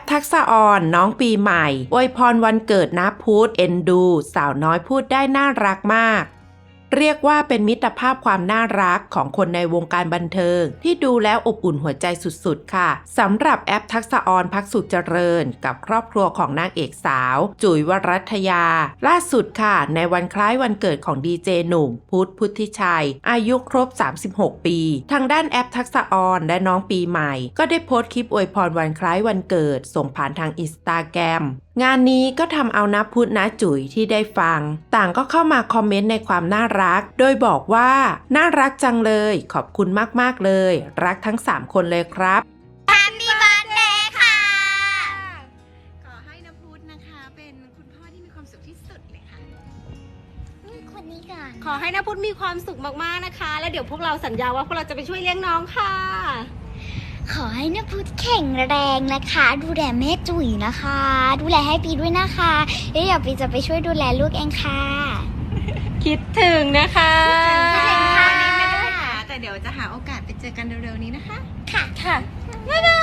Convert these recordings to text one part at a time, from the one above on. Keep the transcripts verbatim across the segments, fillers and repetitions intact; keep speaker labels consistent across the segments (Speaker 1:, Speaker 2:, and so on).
Speaker 1: ทักษะออนน้องปีใหม่อวยพรวันเกิดนะพุธเอ็นดูสาวน้อยพูดได้น่ารักมากเรียกว่าเป็นมิตรภาพความน่ารักของคนในวงการบันเทิงที่ดูแล้วอบอุ่นหัวใจสุดๆค่ะสำหรับแอปทักษะออนพักสุขเจริญกับครอบครัวของนางเอกสาวจุ๋ยวรัตยาล่าสุดค่ะในวันคล้ายวันเกิดของดีเจหนุ่มพุทธพุทธิชัยอายุครบสามสิบหกปีทางด้านแอปทักษะออนและน้องปีใหม่ก็ได้โพสต์คลิปอวยพรวันคล้ายวันเกิดส่งผ่านทางอินสตาแกรมงานนี้ก็ทำเอานะพุทธนะจุ๋ยที่ได้ฟังต่างก็เข้ามาคอมเมนต์ในความน่ารักโดยบอกว่าน่ารักจังเลยขอบคุณมากๆเลยรักทั้งสามคนเลยครับ
Speaker 2: Happy Birthday ค่ะ
Speaker 3: ขอให้นพุทธนะคะเป็นคุณพ่อที่มีความสุขที่สุดเลยค่ะ
Speaker 2: นี่คนนี้ก่อน
Speaker 3: ขอให้นพุทธมีความสุขมากๆนะคะ แล้วเดี๋ยวพวกเราสัญญาว่าพวกเราจะไปช่วยเลี้ยงน้องค่ะ
Speaker 2: ขอให้นพุทธแข็งแรงนะคะ ดูแลแม่จุ๋ยนะคะ ดูแลให้ปีด้วยนะคะแล้วเดี๋ยวปีจะไปช่วยดูแลลูกเองค่ะ
Speaker 3: คิดถึงนะคะ
Speaker 2: คิดถึงค่ะ
Speaker 3: วันนี้ไม่ได้หาแต่เดี๋ยวจะหาโอกาสไปเจอกันเร็วๆนี้นะคะ
Speaker 2: ค่ะ
Speaker 3: ค่ะ
Speaker 2: บ๊ายบาย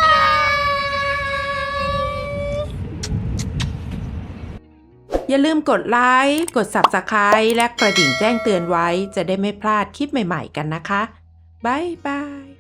Speaker 1: อย่าลืมกดไลค์กด ซับสไครบ์ และกระดิ่งแจ้งเตือนไว้จะได้ไม่พลาดคลิปใหม่ๆกันนะคะบ๊ายบาย